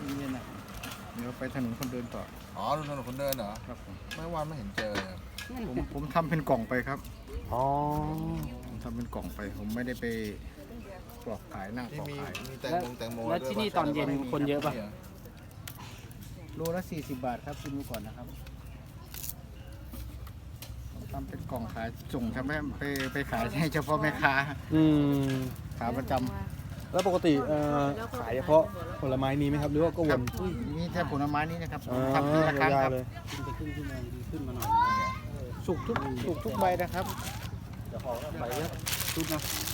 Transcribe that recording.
เย็นๆนะเดี๋ยวไปถนนคนเดินต่ออ๋อถนนคนเดินเหรอครับผมไม่วันไม่เห็นเจอเลยผมทำเป็นกล่องไปครับอ๋อผมทำเป็นกล่องไป ผมไม่ได้ไปปลอกขายนั่งที่ปลอกมีขายมีแตงโมแล้วที่นี่ตอนเย็นคนเยอะป่ะโลละ40 บาทครับชิมดูก่อนนะครับผมทำเป็นกล่องขายส่งทำให้ไปขายให้เฉพาะแม่ค้าอืมขาประจำแล้วปกติขายเฉพาะผลไม้นี้ไหมครับหรือว่าก็วนมีแต่ผลไม้นี่นะครับอ๋อทำทีละครั้งยาคว รับๆเลยขึ้นมาหน่อยสุกทุกใบนะครับเดี๋ยวขอใบเยอะชุดนะ